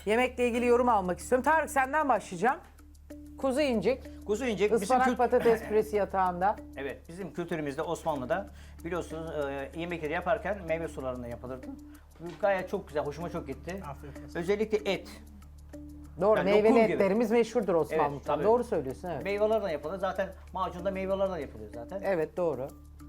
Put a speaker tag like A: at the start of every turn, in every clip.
A: Yemekle ilgili yorum almak istiyorum. Tarık senden başlayacağım. Kuzu incik,
B: Kuzu incik bizim
A: ıspanak patates püresi yatağında.
B: Evet, bizim kültürümüzde Osmanlı'da biliyorsunuz yemekleri yaparken meyve sularında yapılırdı. Bu gayet çok güzel, hoşuma çok gitti.
C: Afiyet olsun.
B: Özellikle et.
A: Doğru,
B: Yani
A: meyveli
B: lokum gibi.
A: etlerimiz meşhurdur
B: Evet,
A: Osmanlı'da.
B: tabii.
A: Doğru söylüyorsun, evet.
B: Meyvelerden yapılır. Zaten macunda meyvelerden yapılıyor zaten.
A: Evet, doğru.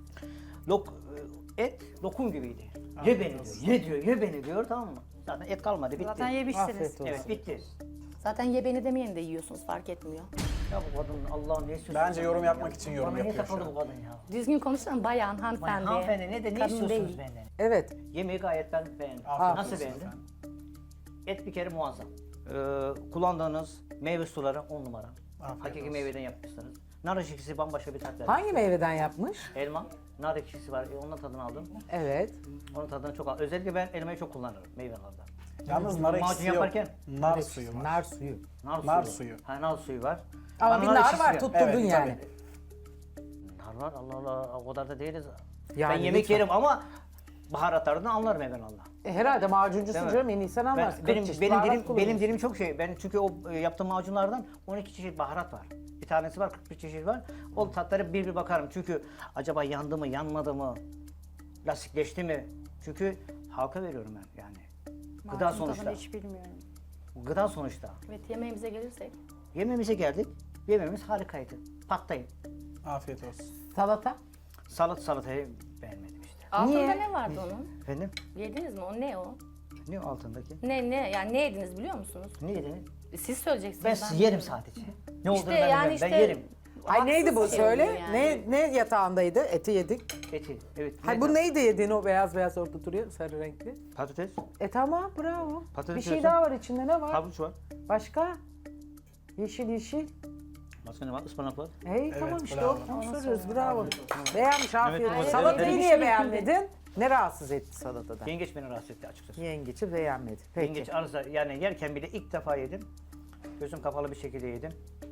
B: Et lokum gibiydi. Ye beni diyor, ye diyor, ye beni diyor, tamam mı? Zaten et kalmadı, bitti.
D: Zaten yemişsiniz.
A: Afiyet olsun.
B: Evet, bitti.
D: Zaten ye beni demeyen de yiyorsunuz fark etmiyor.
B: Ya bu kadın Allah'ın ne istiyorsun?
C: Bence yorum
B: benden
C: yapmak
B: ya?
C: için yorum
B: Bana niye
C: yapıyor şu
B: takıldı
C: an.
B: bu kadın ya?
D: Düzgün konuşsana bayan, hanımefendi.
B: Hanımefendi ne
D: Kadın
B: istiyorsunuz
D: değil.
B: benden?
A: Evet,
B: Yemeği gayet ben beğendim.
C: Afiyet
B: Nasıl
C: olsun
B: beğendin?
C: efendim.
B: Et bir kere muazzam. Kullandığınız meyve suları 10 numara.
C: Afiyet
B: Hakiki
C: olsun.
B: meyveden yapmışsınız. Nar ekşisi bambaşka bir tat verdi.
A: hangi meyveden yapmış?
B: Elma, nar ekşisi var. Onun tadını aldım.
A: Evet.
B: Onun tadını çok aldım. Özellikle ben elmayı çok kullanırım meyvelerde.
C: Yalnız nar
B: Macun
C: ekşisi yok.
B: yaparken
C: Nar suyu var.
A: Nar suyu.
B: Nar
C: suyu.
B: Ha, nar suyu var.
A: Ama bir nar
B: ekşisi
A: var,
B: yok.
A: tutturdun
C: Evet,
A: yani.
B: Nar var, Allah Allah, o kadar da değiliz.
A: Yani
B: ben yemek
A: lütfen.
B: yerim ama baharatlarını anlarım evvelallah.
A: Herhalde macuncusun
B: Değil mi?
A: canım, en iyi sen anlarsın.
B: Benim,
A: 40 çeşit
B: benim,
A: baharat
B: dilim, benim
A: kullanıyorsun.
B: dilim çok şey. Ben çünkü o yaptığım macunlardan 12 çeşit baharat var. Bir tanesi var, 41 çeşit var. O tatlara bir bakarım. Çünkü acaba yandı mı, yanmadı mı, lastikleşti mi? Çünkü halka veriyorum ben yani. Gıda
E: Macun
B: sonuçta.
E: tadını hiç bilmiyorum.
B: Gıda sonuçta.
D: Evet yemeğimize gelirsek.
B: Yemeğimize geldik. Yemeğimiz harikaydı. Patlayın.
C: Afiyet olsun.
A: Salata?
B: Salatayı beğenmedim işte.
D: Altında
A: Niye?
D: ne vardı onun?
B: Efendim?
D: Yediniz mi? O ne o?
B: Ne o altındaki?
D: Ne yani ne yediniz biliyor musunuz?
B: Ne yedin?
D: Siz söyleyeceksiniz.
B: Ben yerim sadece. Ne olduğunu ben
D: yani
B: bilmiyorum.
D: işte-
B: Ben yerim.
A: Ay neydi bu,
D: Haksız şey
A: söyle.
D: oluyor yani.
A: Ne yatağındaydı? Eti yedik.
B: Eti. Evet.
A: Hay bu neydi yediğin, o beyaz beyaz orada duruyor, sarı renkli?
B: Patates.
A: Tamam, bravo.
B: Patates
A: Bir şey
B: yiyorsun.
A: daha var içinde, ne var?
B: Havuç var.
A: Başka? Yeşil yeşil.
B: Başka ne var? Ispanak var.
A: Hey tamam işte
C: bravo.
A: onu soruyoruz, bravo. Beğenmiş, afiyet
B: Evet,
A: olsun.
B: evet.
A: Salatayı
B: Evet.
A: niye beğenmedin? Ne rahatsız etti salatada?
B: Yengeç beni rahatsız etti açıkçası.
A: Yengeci beğenmedi. Peki.
B: Yengeç arıza yani yerken bile ilk defa yedim. Gözüm kapalı bir şekilde yedim.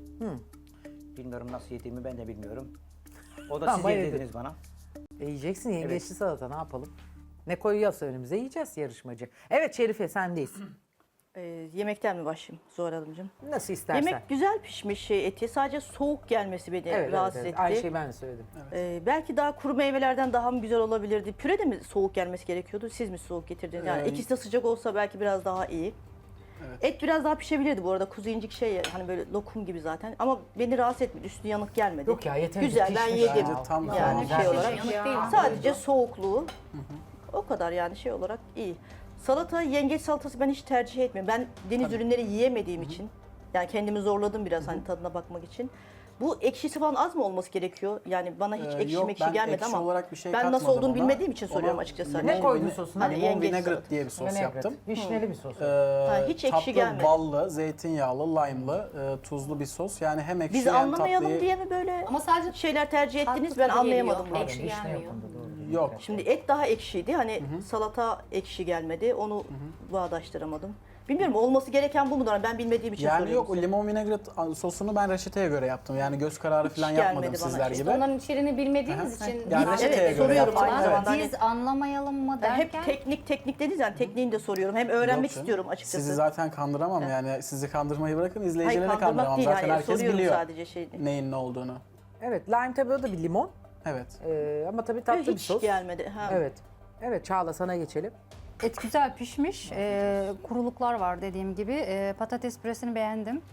B: Bilmiyorum nasıl yediğimi ben de bilmiyorum. O da siz
A: Ama yedin.
B: yedirdiniz bana.
A: Yiyeceksin yengeçli salata, ne yapalım? Ne koyuyorsa önümüze yiyeceğiz yarışmacı. Evet Şerife, sendeyiz.
F: Yemekten mi başlayayım Zuhal Hanımcığım?
A: Nasıl istersen.
F: Yemek güzel pişmiş eti. Sadece soğuk gelmesi beni
A: Evet,
F: rahatsız
A: evet, evet.
F: etti.
A: Aynı şeyi ben de söyledim.
F: Belki daha kuru meyvelerden daha mı güzel olabilirdi? Püre de mi soğuk gelmesi gerekiyordu? Siz mi soğuk getirdiniz? Yani ikisi de sıcak olsa belki biraz daha iyi. Et biraz daha pişebilirdi bu arada. Kuzu incik şey hani böyle lokum gibi zaten. Ama beni rahatsız etmedi. Üstü yanık gelmedi.
A: Yok ya, yeterince
F: Güzel ben
A: pişmiş
F: yedim.
A: ya.
C: Tam
F: Yani
C: tamam.
F: şey olarak.
D: Yanık değil.
F: Sadece soğukluğu. O kadar yani şey olarak iyi. Salata, yengeç salatası ben hiç tercih etmiyorum. Ben deniz ürünleri yiyemediğim için, yani kendimi zorladım biraz hani tadına bakmak için. Bu ekşisi falan az mı olması gerekiyor? Yani bana hiç ekşi
C: yok,
F: mekşi
C: ben
F: gelmedi
C: ekşi
F: ama
C: olarak bir şey
F: ben nasıl
C: katmadım
F: olduğunu
C: ona.
F: bilmediğim için soruyorum
C: Ona
F: açıkçası.
C: limon
A: Ne koydun
C: vine-
A: sosuna?
F: Hani
C: Limon
F: yengeç
C: vinaigrette
F: salatası.
C: diye bir sos
A: Vinaigrette.
C: yaptım.
A: Vişneli bir sos.
F: hiç ekşi
C: tatlı,
F: gelmedi.
C: ballı, zeytinyağlı, lime'lı, tuzlu bir sos. Yani hem ekşi
F: Biz
C: hem
F: anlamayalım
C: tatlıyı...
F: diye mi böyle
D: Ama sadece
F: şeyler tercih ettiniz?
D: tatlı
F: Ben
D: tadı
F: anlayamadım
D: geliyor.
F: bunu.
D: Ekşi
A: Vişne
D: gelmiyor.
A: yapımda, doğru.
C: Yok.
F: Şimdi et daha ekşiydi. Hani salata ekşi gelmedi. Onu bağdaştıramadım. Bilmiyorum olması gereken bu mudur? Ben bilmediğim için
C: Yani
F: soruyorum
C: yok, o
F: size.
C: limon vinaigrette sosunu ben reçeteye göre yaptım. Yani göz kararı
F: Hiç
C: falan
F: gelmedi
C: yapmadım
F: bana.
C: sizler
F: İşte
C: gibi.
E: Onların içeriğini bilmediğiniz için
C: Yani reçeteye
F: Evet,
C: göre
F: soruyorum
C: yaptım.
F: aynı zamanda. Hani-
E: biz anlamayalım mı
F: Yani hep
E: derken
F: teknik dediniz yani tekniğini de soruyorum. Hem öğrenmek
C: Yok canım.
F: istiyorum açıkçası.
C: Sizi zaten kandıramam yani. Sizi kandırmayı bırakın,
F: Hayır
C: izleyicileri
F: kandırmak
C: kandıramam.
F: değil.
C: Zaten
F: Hayır,
C: herkes
F: soruyorum
C: biliyor
F: sadece şeyini.
C: neyin ne olduğunu.
A: Evet, lime tabii o da bir limon.
C: Evet.
A: Ama tabii tatlı bir
F: Hiç
A: sos.
F: gelmedi. Ha.
A: Evet. Evet Çağla, sana geçelim.
E: et güzel pişmiş. Kuruluklar var dediğim gibi. Patates püresini beğendim.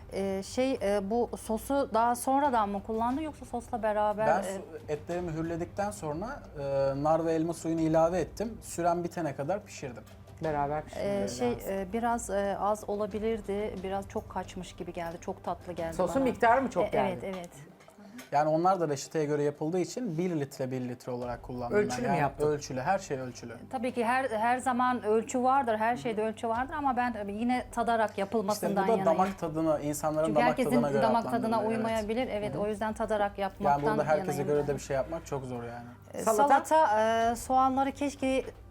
E: Bu sosu daha sonradan mı kullandı yoksa sosla beraber?
C: Ben etleri mühürledikten sonra nar ve elma suyunu ilave ettim. Süren bitene kadar pişirdim.
A: Beraber pişirelim.
E: Biraz az olabilirdi. Biraz çok kaçmış gibi geldi. Çok tatlı geldi
A: Sosun
E: bana.
A: miktarı mı çok geldi?
E: Evet, evet.
C: Yani onlar da reçeteye göre yapıldığı için 1 litre olarak kullandım.
A: Ölçülü
C: ben.
A: mü
C: Yani
A: yaptın?
C: Ölçülü, her şey ölçülü.
E: Tabii ki her zaman ölçü vardır. Her şeyde ölçü vardır ama ben yine tadarak
C: İşte
E: yapılmasından
C: bu da
E: yanayım.
C: damak tadına, insanların
E: Çünkü
C: damak
E: herkesin
C: tadına göre
E: damak tadına
C: adlandırılıyor, evet.
E: uymayabilir. Evet, o yüzden tadarak yapmaktan
C: Yani burada herkese
E: yanayım
C: göre
E: ben.
C: de bir şey yapmak çok zor yani.
A: Salata?
E: Soğanları keşke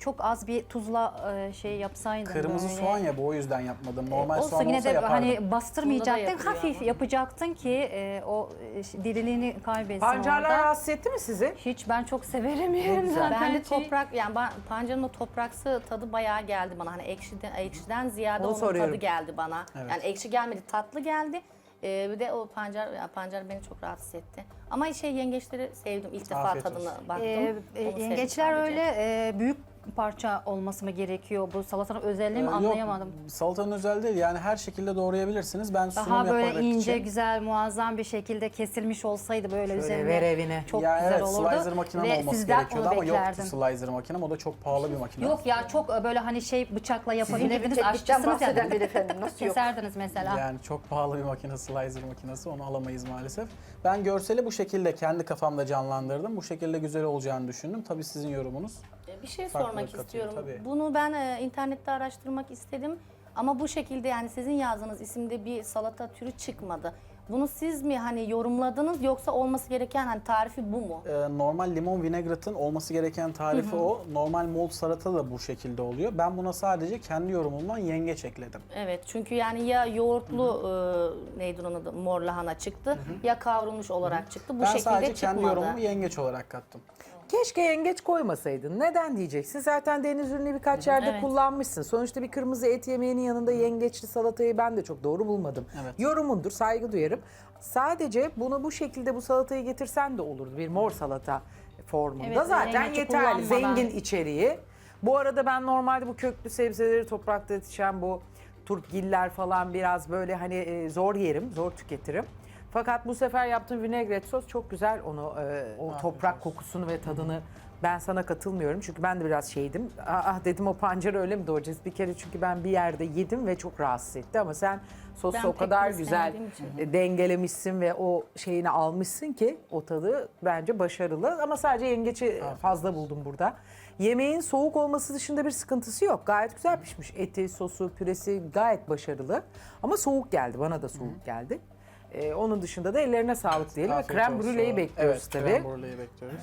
E: çok az bir tuzla şey yapsaydın
C: Kırmızı
E: böyle.
C: soğan ya, bu o yüzden yapmadım. Normal
E: Olsa
C: soğan
E: yine
C: olsa
E: de
C: yapardım.
E: hani bastırmayacaktın,
D: yapılıyor
E: hafif
D: ama.
E: yapacaktın ki o diriliğini kaybetsin
A: Pancarlar
E: orada.
A: rahatsız etti mi sizi?
E: Hiç, ben çok severim yerim
A: güzel.
E: zaten.
D: Ben de
E: şey.
D: toprak, yani pancarın o topraksı tadı bayağı geldi bana. Hani ekşiden ziyade
A: Onu
D: onun
A: soruyorum.
D: tadı geldi bana.
C: Evet.
D: Yani ekşi gelmedi, tatlı geldi. Bir de o pancar beni çok rahatsız etti. Ama yengeçleri sevdim. İlk defa
C: Afiyet
D: tadına
C: olsun.
D: baktım. Onu sevdim
E: Yengeçler
D: sadece.
E: öyle büyük parça olması mı gerekiyor? Bu salatanın özelliği mi
C: Yok,
E: anlayamadım.
C: salatanın özel değil, yani her şekilde doğrayabilirsiniz. Ben sunum
E: Daha böyle
C: yaparak
E: ince,
C: için.
E: güzel, muazzam bir şekilde kesilmiş olsaydı böyle
A: Şöyle
E: üzerine
A: ver evine.
E: çok
C: Ya
E: güzel
C: evet,
E: olurdu.
C: slicer makinem
E: Ve
C: olması
E: sizden
C: gerekiyordu
E: onu
C: ama yoktu
E: beklerdim.
C: slicer makinem. O da çok pahalı bir makine.
E: Yok ya, çok böyle hani şey bıçakla
F: Sizin gibi
E: yapabilirdiniz,
F: teknikten
E: aşçısınız
F: bahseden
E: ya.
F: bir efendim nasıl yok?
E: Keserdiniz mesela.
C: Yani çok pahalı bir makine, slicer makinesi. Onu alamayız maalesef. Ben görseli bu şekilde kendi kafamda canlandırdım. Bu şekilde güzel olacağını düşündüm. Tabii sizin yorumunuz.
D: Bir şey
C: Farklılık
D: sormak
C: katıyor,
D: istiyorum.
C: tabii.
D: Bunu ben internette araştırmak istedim. Ama bu şekilde, yani sizin yazdığınız isimde bir salata türü çıkmadı. Bunu siz mi hani yorumladınız, yoksa olması gereken hani tarifi bu mu?
C: Normal limon vinaigrette olması gereken tarifi o. Normal mol salata da bu şekilde oluyor. Ben buna sadece kendi yorumumdan yengeç ekledim.
D: Evet, çünkü yani ya yoğurtlu neydi onun adı, mor lahana çıktı, ya kavrulmuş olarak çıktı. Bu
C: Ben
D: şekilde
C: sadece kendi
D: çıkmadı.
C: yorumumu yengeç olarak kattım.
A: Keşke yengeç koymasaydın. Neden diyeceksin? Zaten deniz ürünü birkaç yerde
D: Evet.
A: kullanmışsın. Sonuçta bir kırmızı et yemeğinin yanında yengeçli salatayı ben de çok doğru bulmadım.
C: Evet.
A: Yorumundur, saygı duyarım. Sadece bunu bu şekilde bu salatayı getirsen de olurdu. Bir mor salata formunda.
E: Evet,
A: Zaten
E: yengeci
A: yeterli.
E: kullanmadan.
A: Zengin içeriği. Bu arada ben normalde bu köklü sebzeleri, toprakta yetişen bu turpgiller falan biraz böyle hani zor yerim, zor tüketirim. Fakat bu sefer yaptığım vinaigrette sos çok güzel onu o toprak kokusunu ve tadını, ben sana katılmıyorum çünkü ben de biraz şeydim. Dedim o pancarı öyle mi doğrayacağız bir kere, çünkü ben bir yerde yedim ve çok rahatsız etti ama sen sosu
D: Ben
A: o
D: pek
A: kadar
D: de
A: güzel
D: sevmediğim için.
A: dengelemişsin ve o şeyini almışsın ki o tadı bence başarılı, ama sadece yengeci fazla buldum burada. Yemeğin soğuk olması dışında bir sıkıntısı yok. Gayet güzel pişmiş. Eti, sosu, püresi gayet başarılı. Ama soğuk geldi. Bana da soğuk geldi. Onun dışında da ellerine sağlık diyelim. Ve
C: Afiyet
A: krem
C: olsun.
A: brüleyi bekliyoruz
C: evet,
A: tabii.
C: krem brüleyi bekliyoruz.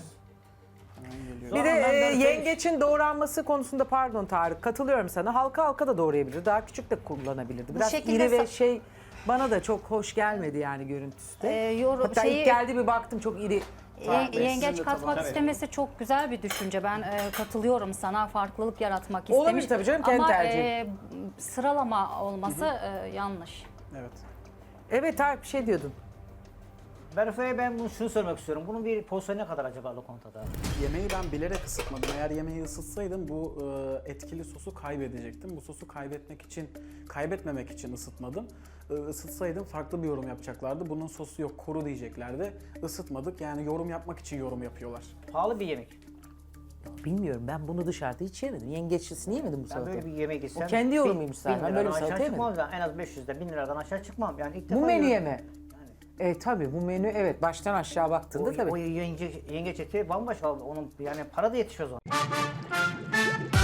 C: Hemen geliyor.
A: Bir de
B: Ben
A: yengeçin doğranması konusunda pardon Tarık, katılıyorum sana. Halka halka da doğrayabilir. Daha küçük de kullanabilirdi. Biraz
E: şekilde
A: iri ve şey bana da çok hoş gelmedi yani görüntüsü de. Hatta ilk geldi bir baktım çok iri.
E: Yengeç katmak istemesi çok güzel bir düşünce. Ben katılıyorum sana. Farklılık yaratmak istemiş.
A: Olabilir tabii canım, kendi
E: Ama
A: tercihi.
E: sıralama olması yanlış.
C: Evet.
A: Evet Tarık bir şey diyordun.
B: Berfe'ye ben bunu şunu sormak istiyorum. Bunun bir porsiyonu ne kadar acaba lokantada?
C: Yemeği ben bilerek ısıtmadım. Eğer yemeği ısıtsaydım bu etkili sosu kaybedecektim. Bu sosu kaybetmemek için ısıtmadım. Isıtsaydım farklı bir yorum yapacaklardı. Bunun sosu yok, kuru diyeceklerdi. Isıtmadık. Yani yorum yapmak için yorum yapıyorlar.
B: Pahalı bir yemek.
A: Bilmiyorum, ben bunu dışarıda hiç yemedim. Yengeçlisini yemedim bu
B: Ben
A: salata.
B: böyle bir yemek istem.
A: O kendi yorumuymuş zaten. Ben böyle bir
B: aşağı
A: salata
B: çıkmam
A: yemedim.
B: zaten. En az 500'de 1000 liradan aşağı çıkmam. Yani ilk defa
A: Bu menüye
B: yiyorum.
A: mi? Tabii bu menü evet baştan aşağı baktığında tabii.
B: O yengeç eti bambaşka. Onun yani para da yetişiyor o zaman.